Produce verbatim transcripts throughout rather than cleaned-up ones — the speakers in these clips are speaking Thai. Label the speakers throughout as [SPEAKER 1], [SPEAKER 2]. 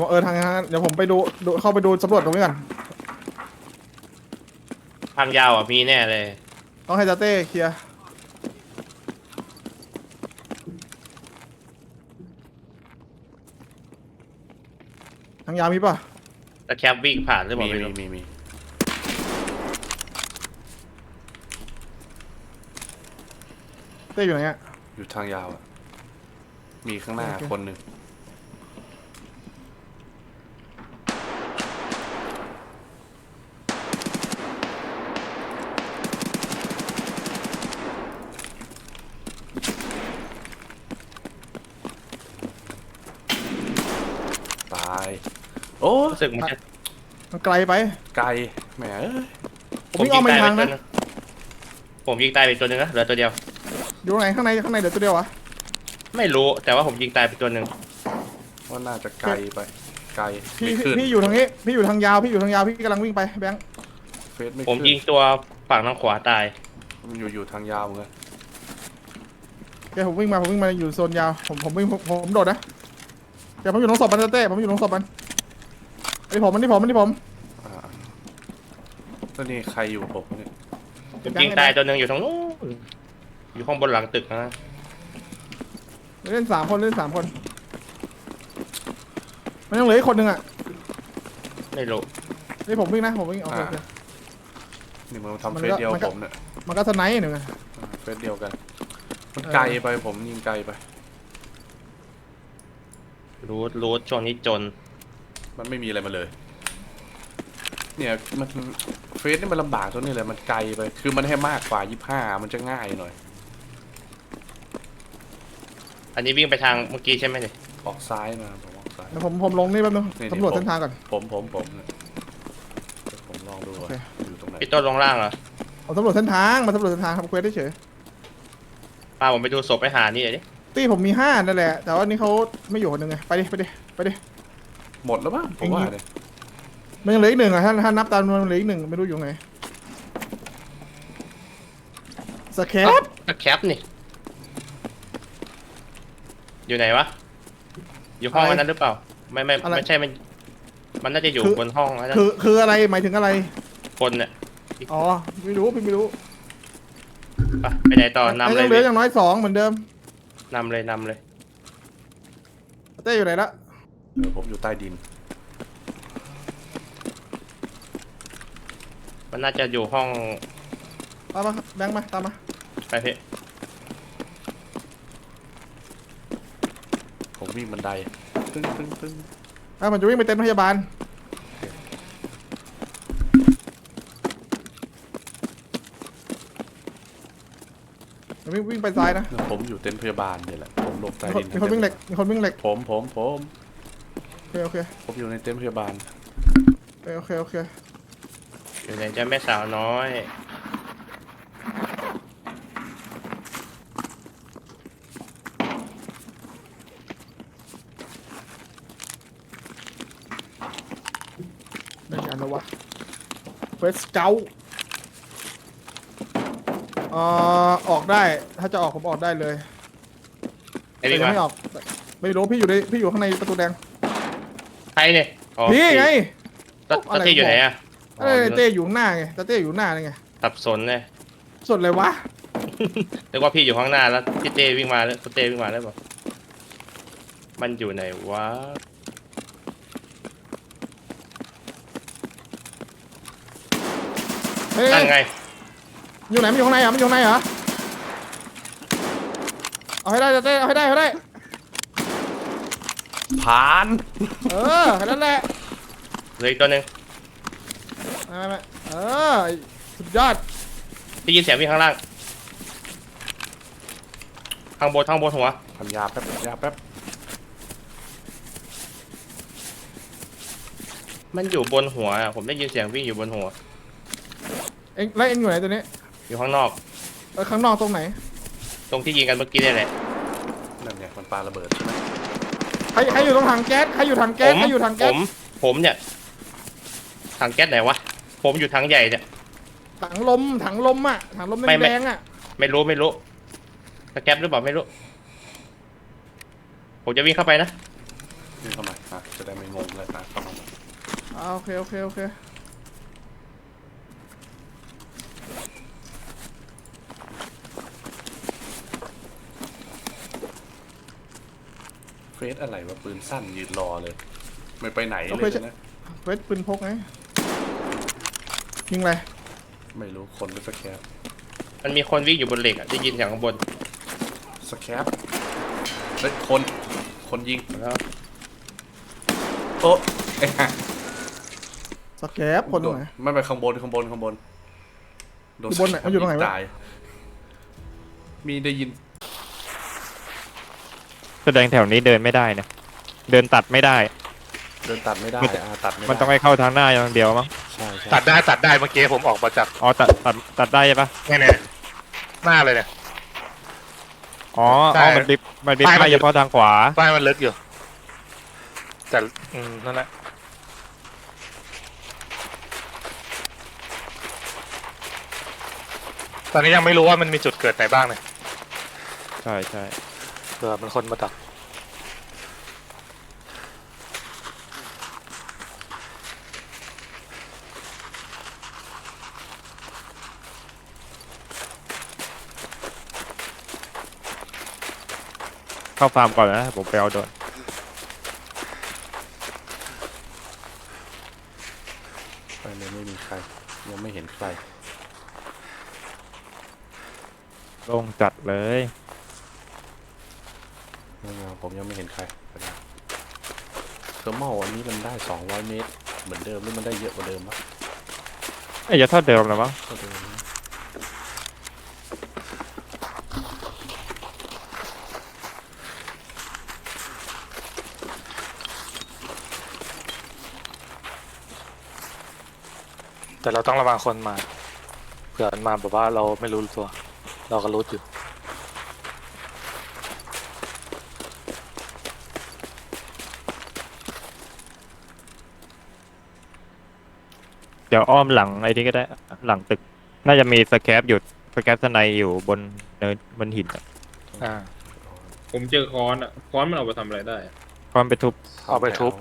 [SPEAKER 1] ยวเออทางนั้นเดี๋ยวผมไปดูดูเข้าไปดูสำรวจตรงนี้ก่อน
[SPEAKER 2] ทางยาวอ่ะมีแน่เลย
[SPEAKER 1] ต้องให้จาเต้เคลียร์ทางยาวมีป่ะ
[SPEAKER 2] แต่แคปวิ่งผ่านหรือเป
[SPEAKER 3] มี
[SPEAKER 2] ล่าไม่
[SPEAKER 3] มี
[SPEAKER 2] รู้
[SPEAKER 3] มีมี
[SPEAKER 1] เต้อยู่ไหนอ่ะ
[SPEAKER 3] อยู่ทางยาวอะมีข้างหน้า
[SPEAKER 1] โอเค
[SPEAKER 3] คนหนึ่งตายโอ้
[SPEAKER 2] รู้สึกมันจะ
[SPEAKER 1] มันไกลไป
[SPEAKER 3] ไกลแหมเอ้ย
[SPEAKER 1] ผมวิ่งอ้อมไปทางนะ
[SPEAKER 2] ผมยิงตายไปตัวหนึ่งนะเหลือตัวเดียว
[SPEAKER 1] อยู่ไหนข้างในข้างในเดี๋ยวตัวเดียววะ
[SPEAKER 2] ไม่รู้แต่ว่าผมยิงตายไปตัวหนึ่ง
[SPEAKER 3] ว่าน่าจะไกลไปไกล
[SPEAKER 1] พี่
[SPEAKER 3] ไม่ขึ้น
[SPEAKER 1] พี่อยู่ทางนี้พี่อยู่ทางยาวพี่อยู่ทางยาวพี่กำลังวิ่งไปแบงค์
[SPEAKER 3] เฟซไม่
[SPEAKER 2] ผม
[SPEAKER 3] ขึ้น
[SPEAKER 2] ยิงตัวฝั่งทางขวาตาย
[SPEAKER 3] มันอยู่อยู่ทางยาวเหมือนกัน
[SPEAKER 1] แกผมวิ่งมาผมวิ่งมาอยู่โซนยาวผมผมวิ่งผมผมโดดนะแกผมอยู่ตรงศพมันจาเต้ผมอยู่ตรงศพมันอันนี้ผมอันนี้ผมอันนี้ผม
[SPEAKER 3] อ่าแล้วนี่ใครอยู่ผมเนี่ย
[SPEAKER 2] ผมยิงตายตัวหนึ่งอยู่ตรงนู้นอยู่ข้างบนหลังตึกนะ
[SPEAKER 1] เล่นสามคนเล่นสามคนมันยังเหลืออีกคนหนึ่งอ่ะ
[SPEAKER 2] ไม่รู้
[SPEAKER 1] นี่ผมวิ่งนะผมวิ่งโอเคโอเค
[SPEAKER 3] นี่มันทำ
[SPEAKER 1] มัน
[SPEAKER 3] เฟ
[SPEAKER 1] ก็
[SPEAKER 3] ซเดียว
[SPEAKER 1] มันก็
[SPEAKER 3] ผมเนี่ย
[SPEAKER 1] มันก็สไนป์หนึ่งอะ
[SPEAKER 3] อ่าเฟซเดียวกัน มัน
[SPEAKER 1] เออ
[SPEAKER 3] ไกลไปผมยิงไกลไป
[SPEAKER 2] รู้รู้ช่วงนี้จน
[SPEAKER 3] มันไม่มีอะไรมาเลย เนี่ยมันเฟซนี่มันลำบากตรงนี้เลยมันไกลไป คือมันให้มากกว่ายี่สิบห้ามันจะง่ายหน่อย
[SPEAKER 2] อันนี้วิ่งไปทางเมื่อกี้ใช่ไหมเนี่ย
[SPEAKER 3] ออกซ้ายมาผมออกซ้าย
[SPEAKER 1] เดี๋ยวผมผมลงนี่แป๊บนึง
[SPEAKER 3] นี่
[SPEAKER 1] สำรวจ
[SPEAKER 3] ผม
[SPEAKER 1] เส้นทางก่อน
[SPEAKER 3] ผมผมผมเนี่ยเดี๋ยวผมลองดูว่า
[SPEAKER 1] โอเค
[SPEAKER 3] อยู่ตรงไหน
[SPEAKER 2] พี่ต้นลงล่างเหรอ
[SPEAKER 1] ผมสำรวจเส้นทางมาสำรวจเส้นทางทำเควสได้เฉย
[SPEAKER 2] พาผมไปดูศพไปหานี่เลยดิ
[SPEAKER 1] ตี้ผมมีห้านั่นแหละแต่ว่านี่เขาไม่อยู่คนหนึ่งไงไปดิไปดิไปดิ
[SPEAKER 3] หมดแล้วมั้งผมว่าเนี่ย
[SPEAKER 1] มันยังเหลืออีกหนึ่งอ่ะถ้าถ้านับตามมันเหลืออีกหนึ่งไม่รู้อยู่ไหนสแคป
[SPEAKER 2] ก็แคปนี่อยู่ไหนวะอยู่ห้องอันนั้นหรือเปล่าไม่ไม่ไม่ใช่มันมันน่าจะอยู่บนห้องแล้วนะ
[SPEAKER 1] คือคืออะไรหมายถึงอะไร
[SPEAKER 2] คนเนี่ย
[SPEAKER 1] อ๋อไม่รู้พี่ไม่รู้
[SPEAKER 2] ไปไปไหนต่อนำเล
[SPEAKER 1] ยั
[SPEAKER 2] ย
[SPEAKER 1] งเหลืออย่างน้อยสองเหมือนเดิม
[SPEAKER 2] นำเลยนำเลย
[SPEAKER 1] เต้อยู่ไหนละ
[SPEAKER 3] เออผมอยู่ใต้ดิน
[SPEAKER 2] มันน่าจะอยู่ห้อง
[SPEAKER 1] ตามมาแบงค์มาตามมา
[SPEAKER 2] ไปพี่
[SPEAKER 3] ผมวิ่งบันไดตึ้งตึ้งตึ้ง
[SPEAKER 1] อ่ะมันจะวิ่งไปเต็นท์พยาบาลมันวิ่งวิ่งไปซ้ายนะ
[SPEAKER 3] ผมอยู่เต็นท์พยาบาลเนี่ยแหละผมหลบใต้
[SPEAKER 1] มีคน
[SPEAKER 3] ดิน
[SPEAKER 1] มีคนวิ่งเหล็กมีคนวิ่งเหล็ก
[SPEAKER 3] ผมผมผม
[SPEAKER 1] โอเคโอเค
[SPEAKER 3] ผมอยู่ในเต็นท์พยาบาล
[SPEAKER 1] โอเคโอเค
[SPEAKER 2] อยู่ไหนจะแม่สาวน้อย
[SPEAKER 1] ได้งานแล้ววะเฟสเกลเอ่อออกได้ถ้าจะออกผมออกได้เลย
[SPEAKER 2] ไอ้วิ่ง
[SPEAKER 1] แต่ยัง
[SPEAKER 2] มา
[SPEAKER 1] ไม่ออกไม่รู้พี่อยู่ในพี่อยู่ข้างในประตูแดง
[SPEAKER 2] ใครเนี่ยอ๋อ
[SPEAKER 1] พี่ไง
[SPEAKER 2] ตัดตัดที่อยู่ไหนอ่ะ
[SPEAKER 1] เอ้ยเต้อยู่ข้างหน้าไงแต่เต้อยู่ข้างหน้านี่ไง
[SPEAKER 2] สับสนเลย
[SPEAKER 1] ส่วนอะไรวะ
[SPEAKER 2] นึกว่าพี่อยู่ข้างหน้าแล้วพี่เต้วิ่งมาแล้วพี่เต้วิ่งมาแล้วบอกมันอยู่ไหนวะ
[SPEAKER 1] เฮ้ย
[SPEAKER 2] นั่นไง
[SPEAKER 1] อยู่ไหนมันอยู่ข้างในเหรอมันอยู่ข้างในเหรอเอาให้ได้เต้เอาให้ได้เอาให้ได้
[SPEAKER 3] ผ่าน
[SPEAKER 1] เออแค่นั้นแหละ
[SPEAKER 2] เหลืออีกตัวหนึ่ง
[SPEAKER 1] ไม่ไม่ไม่เออสุดยอด
[SPEAKER 2] ได้ยินเสียงวิ่งข้างล่างข้างบนข้างบนหัว
[SPEAKER 3] พันยาแป๊บยาแป๊บ
[SPEAKER 2] มันอยู่บนหัวอะผมได้ยินเสียงวิ่งอยู่บนหัว
[SPEAKER 1] เอ็งแล้วเอ็งอยู่ไหนตัวนี้
[SPEAKER 2] อยู่ข้างนอก
[SPEAKER 1] เออข้างนอกตรงไหน
[SPEAKER 2] ตรงที่ยิงกันเมื่อกี้นี่แหละ
[SPEAKER 3] นั่นเนี่ยมันปาระเบิดใช่ไหม
[SPEAKER 1] ใครใครอยู่ตรงถังแก๊สใครอยู่ถัง
[SPEAKER 2] ผ
[SPEAKER 1] แก๊ส
[SPEAKER 2] ม
[SPEAKER 1] ใครอยู่ถัง
[SPEAKER 2] ผ
[SPEAKER 1] แก๊ส
[SPEAKER 2] มผมเนี่ยถังแก๊สไหนวะผมอยู่ถังใหญ่เนี่ย
[SPEAKER 1] ถังลมถังลมอ่ะถังลม
[SPEAKER 2] ไม่ไม่
[SPEAKER 1] แดงๆอ่ะ
[SPEAKER 2] ไม่รู้ไม่รู้สแก๊ปหรือเปล่าไม่รู้ผมจะวิ่งเข้าไปนะ
[SPEAKER 3] นี่เข้ามาอ่ะจะได้ไม่งงเลยนะเข้ามา
[SPEAKER 1] อ่าโอเคโอเคโอเค
[SPEAKER 3] เฟสอะไรวะปืนสั้นยืนรอเลย ไม่ไปไหนเลยนะ
[SPEAKER 1] เวทปืนพกไงยิงอะไร
[SPEAKER 3] ไม่รู้คนหรือสแคป
[SPEAKER 2] มันมีคนวิ่งอยู่บนเหล็กอ่ะได้ยินเสียงข้างบน
[SPEAKER 3] สแคปเฮ้ยคนคนยิง
[SPEAKER 2] แล้ว
[SPEAKER 3] โอ้เอ๊ะ
[SPEAKER 1] สแกปคนตรงไหน
[SPEAKER 3] ไม่ไปข้างบนข้างบนข้างบนโด
[SPEAKER 1] อยู่บนไหนมันอยู่ตรงไหนวะ
[SPEAKER 3] ตายมีได้ยิน
[SPEAKER 4] แสดงแถวนี้เดินไม่ได้นะเดินตัดไม่ได้
[SPEAKER 3] เดินตัดไม่ได้
[SPEAKER 4] มัน
[SPEAKER 3] อ่าตัดไม่ได้
[SPEAKER 4] มันต้องให้เข้าทางหน้าอย่างเดียวมั้ง
[SPEAKER 3] ใช่ใช่
[SPEAKER 5] ตัดได้ตัดได้เมื่อกี้ผมออกมาจาก
[SPEAKER 4] อ๋อตัดตัดตัดได้ใช่ปะ
[SPEAKER 5] เนี่ยเนี่ยหน้าเลยเนี่ย
[SPEAKER 4] อ๋อ
[SPEAKER 5] ใช่
[SPEAKER 4] อ๋อมันบิบมันบิบ
[SPEAKER 5] ป้ายมัน
[SPEAKER 4] ได้เฉพาะทางขวา
[SPEAKER 5] ป้ายมันลึกอยู่ แต่อืมนั่นแหละตอนนี้ยังไม่รู้ว่ามันมีจุดเกิดไหนบ้างเนี่ย
[SPEAKER 4] ใช่ใช่
[SPEAKER 5] เผื่อมันคนมาดัก
[SPEAKER 4] เข้าฟาร์มก่อนนะผมไปเอาโดน
[SPEAKER 3] ไปเลยไม่มีใครยังไม่เห็นใคร
[SPEAKER 4] ลงจัดเลย
[SPEAKER 3] ไม่เอาผมยังไม่เห็นใครไปแล้วเทอร์มอลอันนี้มันได้สองร้อยเมตรเหมือนเดิมหรือมันได้เยอะกว่าเดิมปะ
[SPEAKER 4] ไอ้ยจะเท่าเดิมหรอมั้ง
[SPEAKER 3] เท่าเดิมนะ
[SPEAKER 5] แต่เราต้องระวังคนมาเผื่อมันมาแบบว่าเราไม่รู้ตัว เราก็รู้อยู่
[SPEAKER 4] เดี๋ยวอ้อมหลังไอ้นี่ก็ได้หลังตึก น่าจะมีสแคปอยู่สแคปสไนอยู่บนเนินบนหินอะ
[SPEAKER 5] อ่า
[SPEAKER 6] ผมเจอค้อนอ่ะค้อนมันเอาไปทำอะไรได้อะ
[SPEAKER 4] ความไปทุบ
[SPEAKER 5] เอาไปทุบ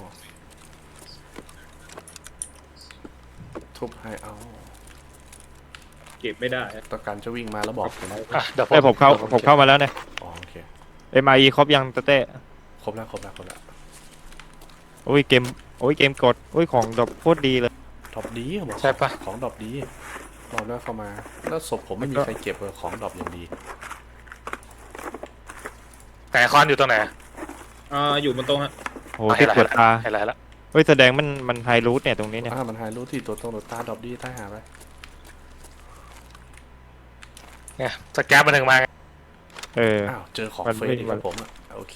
[SPEAKER 3] ทุบให้เอา
[SPEAKER 6] เก็บไม่ได้อะ
[SPEAKER 3] ต้องการจะวิ่งมาแล้วบอกผมนะ
[SPEAKER 5] อ่ะเดี๋ยว
[SPEAKER 4] ไอ้ยผมเข้า
[SPEAKER 5] ดี๋ยว
[SPEAKER 4] ผมเข้ามาแล้วเนี่ย
[SPEAKER 3] อ๋อโอเค
[SPEAKER 4] เอ็มไอครบยังตะเต้
[SPEAKER 3] ครบแล้วครบแล้วครบแล้ว
[SPEAKER 4] โอ้ยเกมโอ้ยเกมกดโอ้ยของดอกโคตรดีเลย
[SPEAKER 3] ดรอปดีบอก
[SPEAKER 5] ใช่ปะ
[SPEAKER 3] ของดรอปดีรอบแรกเข้ามา แล้วศพผมไม่มีใครเก็บเลยของดรอปอย่างดี
[SPEAKER 5] ไหนคอนอยู่ตรงไหน
[SPEAKER 6] อ่าอยู่บนโต๊ะฮะ
[SPEAKER 4] โอ้ที่ตรวจตา
[SPEAKER 5] เห็นอะไรแล้ว
[SPEAKER 4] เฮ้ยแสดงมันมันไฮรูทเนี่ยตรงนี้เนี่ย
[SPEAKER 3] อ่ามันหายรู้ที่ตัวตรงตัวตาดรอปดีใต้หาไป
[SPEAKER 5] เนี่ยสแกปมันถึงมาไง
[SPEAKER 4] เออ
[SPEAKER 3] อ้าวเจอของ
[SPEAKER 4] มัน
[SPEAKER 3] เฟ
[SPEAKER 4] ไม่
[SPEAKER 3] ซอีก
[SPEAKER 4] มั
[SPEAKER 3] แล้
[SPEAKER 4] น
[SPEAKER 3] วผมอ่ะโอเค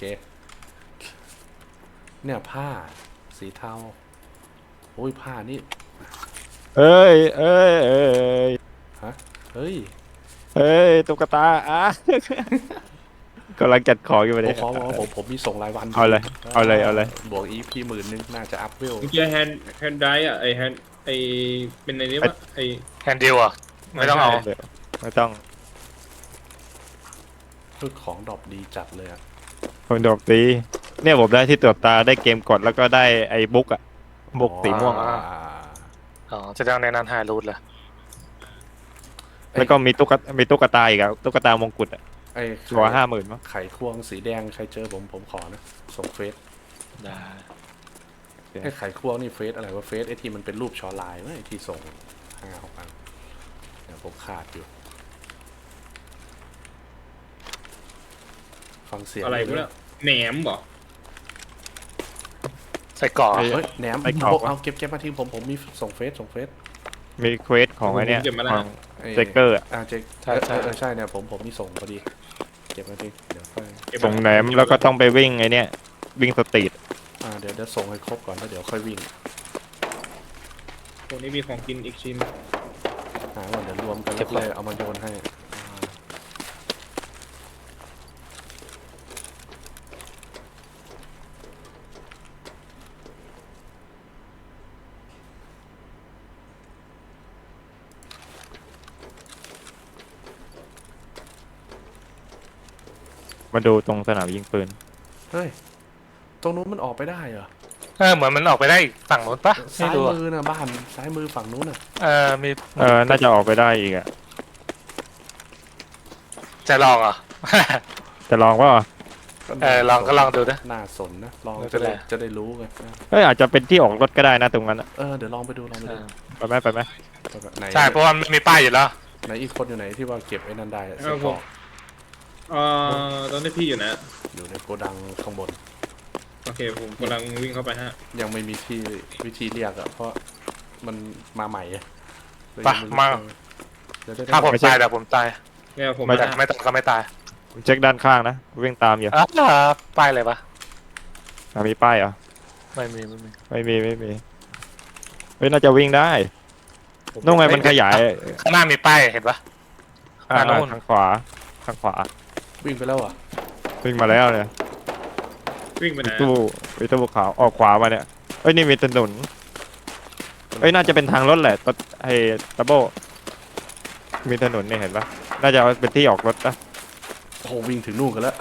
[SPEAKER 3] เนี่ยผ้า สีเทาโอ้ยผ้านี่
[SPEAKER 4] เอ้ยเอ้ยเอ้ย
[SPEAKER 3] ฮะเฮ้ย
[SPEAKER 4] เฮ้ยตุ๊กตาอ่ะ กำลังจัดของอยู่
[SPEAKER 3] ผ
[SPEAKER 4] เล
[SPEAKER 3] ม
[SPEAKER 4] ย
[SPEAKER 3] ขอบอกว่าผมผมมีส่งรายวัน
[SPEAKER 4] เอาเลยเอาเลยเอาเลย
[SPEAKER 3] บวกอีพีหมื่นนึงน่าจะอัพเวล
[SPEAKER 6] เมื่อกี้แฮนด์แฮนด์ไดร์อ่ะไอแฮนด์ไอเป็นในนี้วะไอ
[SPEAKER 5] แฮนดิวอ่ะไม่ต้องเอา
[SPEAKER 6] ไม่ใช่
[SPEAKER 4] ไม่ต้อง
[SPEAKER 3] คือของดรอปดีจัดเลยอ่ะ
[SPEAKER 4] คนดอกตีเนี่ยผมได้ที่ตรวจตาได้เกมกดแล้วก็ได้ไอ้บุ๊กอะบุ๊กสีม่วง
[SPEAKER 3] อ่า
[SPEAKER 5] อ๋อจะต้องในนั้นไฮรูทเลย
[SPEAKER 4] แล้วก็มีตุ๊กตามีตุ๊กตาอีกอะตุ๊กตามงกุฎอะ
[SPEAKER 3] ไอ้
[SPEAKER 4] ตัวห้าหมื่นมั้ง
[SPEAKER 3] ไข่ควงสีแดงใครเจอผมผมขอนะส่งเฟซ
[SPEAKER 5] ได้
[SPEAKER 3] ไอ้ไข่ควงนี่เฟซอะไรวะเฟซไอ้ที่มันเป็นรูปชอลายไหมไอ้ที่ส่งห้าหกอันเดี๋ยวผมขาดอยู่ ฟังเสียง
[SPEAKER 6] อะไรพวกเนี้ยแหนมบ่
[SPEAKER 5] ใส่กรอก
[SPEAKER 3] เฮ้ยแหนม
[SPEAKER 4] ไปกรอก
[SPEAKER 3] เอาเก็บเก็บมาทิ้งผมผมมีส่งเฟซส่งเฟซ
[SPEAKER 4] มีเควสของไอ้เนี่ย
[SPEAKER 6] ผมเก็บมาแล้ว
[SPEAKER 4] ของ
[SPEAKER 3] ไอ้
[SPEAKER 4] เจเกอร์อะ
[SPEAKER 3] อ่าเจใช่ใช่ใช่เนี่ยผมผมมีส่งพอดีเก็บมาทิ้งเดี๋ยวค่อย
[SPEAKER 6] เก็บ
[SPEAKER 4] ส่งแหนมแล้วก็ต้องไปวิ่งไอ้เนี่ยวิ่งสตรีท
[SPEAKER 3] อ่าเดี๋ยวเดี๋ยวส่งให้ครบก่อนแล้วเดี๋ยวค่อยวิ่ง
[SPEAKER 6] ตรงนี้มีของกินอีกชิ้น
[SPEAKER 3] หาว่าเดี๋ยวรวมกันแล้วเลยเอามาโยนให้อ่า
[SPEAKER 4] มาดูตรงสนามยิงปืน
[SPEAKER 3] เฮ้ยตรงนู้นมันออกไปได้เหรอ
[SPEAKER 5] เออเหมือนมันออกไปได้อีกฝั่งนู้นปะไม่
[SPEAKER 3] ซ้าย
[SPEAKER 5] รู้อะ
[SPEAKER 3] มือนะบ้านซ้ายมือฝั่งนู้นน่ะ
[SPEAKER 5] เออมี
[SPEAKER 4] เออน่าจะออกไปได้อีกอะ
[SPEAKER 5] จะลองเหรอ
[SPEAKER 4] จะลองว่า
[SPEAKER 5] เออลองก็ลองดูนะ
[SPEAKER 3] น่าสนนะลอง
[SPEAKER 5] ไม่เป็
[SPEAKER 3] จะ
[SPEAKER 5] นไร
[SPEAKER 3] ได้จะได้รู้ไง
[SPEAKER 4] เอ้ยอาจจะเป็นที่ออกรถก็ได้นะตรงนั้นอะ
[SPEAKER 3] เออเดี๋ยวลองไปดูลองไป
[SPEAKER 5] เอ
[SPEAKER 3] ดู
[SPEAKER 5] อ
[SPEAKER 4] ไปไหมไปไหม
[SPEAKER 3] แบบไหน
[SPEAKER 5] ใช่เพราะว่ามันมีป้ายอยู่แล้ว
[SPEAKER 3] ไหนอีกคนอยู่ไหนที่ว่าเก็บไอ้นันได้อะ
[SPEAKER 6] เอ
[SPEAKER 3] เส
[SPEAKER 6] อ
[SPEAKER 3] ร็จ
[SPEAKER 6] ผ
[SPEAKER 3] บ
[SPEAKER 6] ม
[SPEAKER 3] อก
[SPEAKER 6] เอ่อตอนนี้พี่อยู่นะ
[SPEAKER 3] อยู่ในโกดังข้างบน
[SPEAKER 6] โอเคผมกำลังวิ่งเข้าไปฮะ
[SPEAKER 3] ยังไม่มีที่วิธีเรียกอะเพราะมันมาใหม่อะเลย
[SPEAKER 5] ไป
[SPEAKER 3] ยังไรู้
[SPEAKER 5] มา
[SPEAKER 3] เดี๋ยวได้
[SPEAKER 5] ถ้าผมตายเดี๋ยวผมตาย
[SPEAKER 6] เนี่ยผม
[SPEAKER 5] ไม่
[SPEAKER 6] มา
[SPEAKER 5] ตายไม่ตายก็ไม่ตาย
[SPEAKER 4] ผมเช็คด้านข้างนะวิ่งตามอยู่
[SPEAKER 5] อ่าป้ายอะไรปะ
[SPEAKER 4] อ่ะมีป้ายเหรอ
[SPEAKER 5] ไม่มีไม่มี
[SPEAKER 4] ไม่มีไม่มีเฮ้ยน่าจะวิ่งได้นู่นไงมันขยาย
[SPEAKER 5] ข้างหน้ามีป้ายเห็นปะ
[SPEAKER 4] อ่า
[SPEAKER 5] อ่านู่น
[SPEAKER 4] ทางขวาทางขวา
[SPEAKER 3] วิ่งไปแล้วอ่ะ
[SPEAKER 4] วิ่งมาแล้วเนี่ย
[SPEAKER 6] วิ่งไปไหน
[SPEAKER 4] ตู้วิตู้ขาวออกขวามาเนี่ยเอ้ยนี่มีถนนเอ้ยน่าจะเป็นทางรถแหละตไอ้ดับเบิลมีถนนนี่เห็นปะน่าจะเป็นที่ออกรถนะ
[SPEAKER 3] โอ้โหวิ่งถึงนู่นกันแล้ว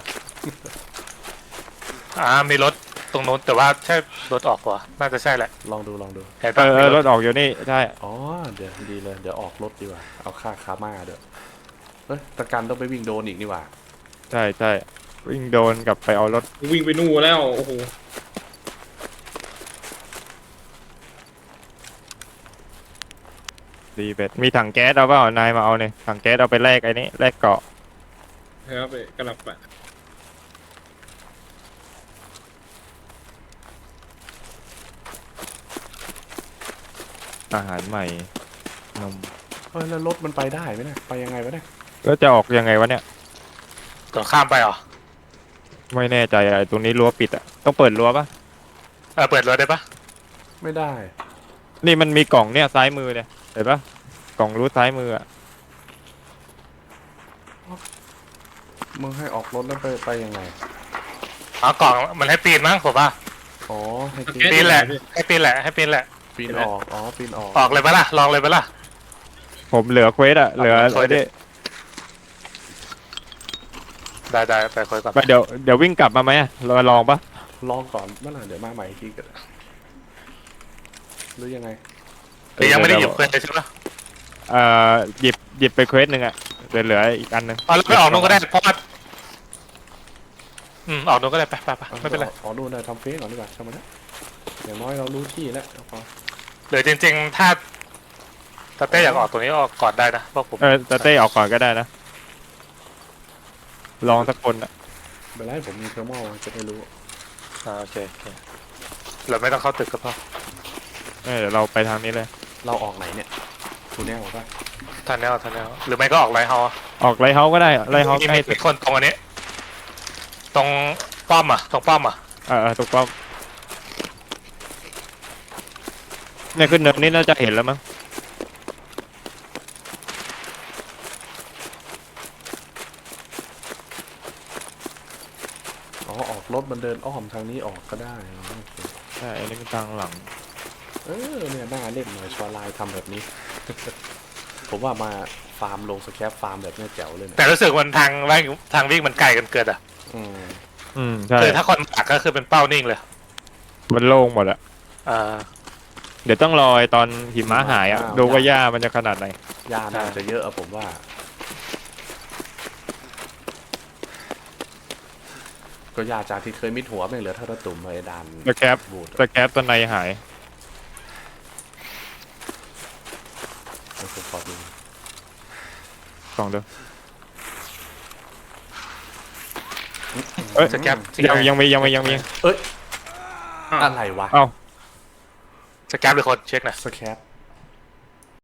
[SPEAKER 5] อ่ามีรถตรงนู้นแต่ว่าใช่รถออกกว่าน่าจะใช่แหละ
[SPEAKER 3] ลองดูลองดู
[SPEAKER 5] เห็น
[SPEAKER 4] เอ
[SPEAKER 5] ปะ
[SPEAKER 4] อเอ
[SPEAKER 5] มี
[SPEAKER 4] อ
[SPEAKER 5] ร
[SPEAKER 4] ร
[SPEAKER 5] ถ
[SPEAKER 4] ถออกอยู่นี่ใช่
[SPEAKER 3] อ๋อเดี๋ยวดีเลยเดี๋ยวออกรถดีกว่าเอาค่าคาม่าเดี๋ยวเอ้ยตะกันต้องไปวิ่งโดนอีกนี่หว่า
[SPEAKER 4] ใช่ใช่วิ่งโดนกลับไปเอารถ
[SPEAKER 6] วิ่งไปนู่นแล้วโอ้โห
[SPEAKER 4] ดีเบ็ดมีถังแก๊สเอาเปล่านายมาเอาเนี่ยถังแก๊สเอาไปแลกไอ้นี่แลกเกาะ
[SPEAKER 6] ครับไปกำลังไป
[SPEAKER 4] อาหารใหม่นม
[SPEAKER 3] เฮ้ยแล้วรถมันไปได้ไหมเนี่ยไปยังไงวะเนี่ย
[SPEAKER 4] แล้วจะออกยังไงวะเนี่ย
[SPEAKER 5] ต่อข้ามไปเหรอ
[SPEAKER 4] ไม่แน่ใจอะไอ้ตรงนี้รั้วปิดอะต้องเปิดรั้วปะ
[SPEAKER 5] เออเปิดรถได้ปะ
[SPEAKER 3] ไม่ได้
[SPEAKER 4] นี่มันมีกล่องเนี่ยซ้ายมือเนี่ยเห็นปะกล่องรูทซ้ายมืออะ
[SPEAKER 3] มึงให้ออกรถแล้วไปไปยังไง
[SPEAKER 5] อ๋อกล่องมันให้ปีนมั้งผมว่า
[SPEAKER 3] อ๋อให้ปี
[SPEAKER 5] ปีนแหละให้ปีนแหละให้ปีนแหละ
[SPEAKER 3] ปีนออกอ๋อปีนออก
[SPEAKER 5] ออกเลยปะล่ะลองเลยปะล่ะ
[SPEAKER 4] ผมเหลือเควสอะเหลือ
[SPEAKER 5] เอาเควสดิ
[SPEAKER 4] ไอ้นี่
[SPEAKER 5] ได้ได้ไปคุยก่อน
[SPEAKER 4] ไปเดี๋ยวเดี๋ยววิ่งกลับมาไหมอะเราลองปะ
[SPEAKER 3] ลองก่อนเมื่อไหร่เดี๋ยวมาใหม่อีกทีกันหรือยังไง
[SPEAKER 5] หรือยังไม่ได้หยิบเพื่อนเลยใช่ปะ
[SPEAKER 4] เอ่อหยิบหยิบไปเควสหนึ่งอะเหลือเหลืออีกอันหนึ่ง
[SPEAKER 5] อ๋อแล้วไปออกนู้นก็ได้เพราะว่าอืมออกนู้นก็ได้ไปไปไปไม่เป็นไร
[SPEAKER 3] อ๋อดูนะทำเฟซก่อนดีกว่าทำมาแล้วอย่างน้อยเรารู้ที่แล้วพอ
[SPEAKER 5] หรือจริงๆถ้าถ้าเต้อยากออกตรงนี้ออกก่อนได้นะเพราะผม
[SPEAKER 4] เออแต่เต้ออกก่อนก็ได้นะลองสักคนอะ
[SPEAKER 3] เวลาผมมีเทอร์โมจะได้รู้
[SPEAKER 5] อ่าโอเคโอเคเราไม่ต้องเข้าตึกก็พอ
[SPEAKER 4] เออเดี๋ยวเราไปทางนี้เลย
[SPEAKER 3] เราออกไหนเนี่ยทูแนลป่ะ
[SPEAKER 5] ทันแนวทันแนวหรือไม่ก็ออกไลท์เฮาส์
[SPEAKER 4] ออกไรเฮาส์ก็ได้ไรเฮาส์
[SPEAKER 5] มี
[SPEAKER 4] ใกล้
[SPEAKER 5] มี
[SPEAKER 4] ตึ
[SPEAKER 5] มี
[SPEAKER 4] ก
[SPEAKER 5] คนตรงอันนี้ ตรงป้อมอ่ะตรงป้อมอ่ะ
[SPEAKER 4] เออเออถูกต้องเนี่ยขึ้นเนินนี่น่าจะเห็นแล้วมั้ง
[SPEAKER 3] อ๋อออกรถมันเดินอ้อมทางนี้ออกก็ได้อ๋อโอเค
[SPEAKER 4] ใช่อันนี้เป็นทางหลัง
[SPEAKER 3] เออเนี่ยน่าเล่นหน่อยชอไลน์ทำแบบนี้ ผมว่ามาฟาร์มลงสแคปฟาร์มแบบเนี้ยแจ๋วเลยเนี่ย
[SPEAKER 5] แต่รู้สึกมันทางวิ่งทางวิ่งมันไกลกันเกินอ่ะ
[SPEAKER 3] อืม
[SPEAKER 4] อืมใช่
[SPEAKER 5] คือถ้าคนปักก็คือเป็นเป้านิ่งเลย
[SPEAKER 4] มันโล่งหมดอะ
[SPEAKER 5] อ่า
[SPEAKER 4] เดี๋ยวต้องรอไอ้ตอนหิมะหายอะดูว่าหญ้ามันจะขนาดไหน
[SPEAKER 3] ยาน่าจะเยอะอะผมว่า ก็ยาจากที่เคยมิดหัวไม่เหลือเท่าตะตุ่มไอ้ดาน
[SPEAKER 4] สแคป
[SPEAKER 3] บูด
[SPEAKER 4] สแคปตัวในหาย
[SPEAKER 3] ผมขอดู
[SPEAKER 4] สองเด้อ
[SPEAKER 3] เอ้ย
[SPEAKER 5] สแกป
[SPEAKER 4] ยังยังมียังมียังมี
[SPEAKER 3] เอ้ยอะไรวะ
[SPEAKER 4] เอ้า
[SPEAKER 5] สแกปหรือคนเช็คหนะ
[SPEAKER 3] สแคป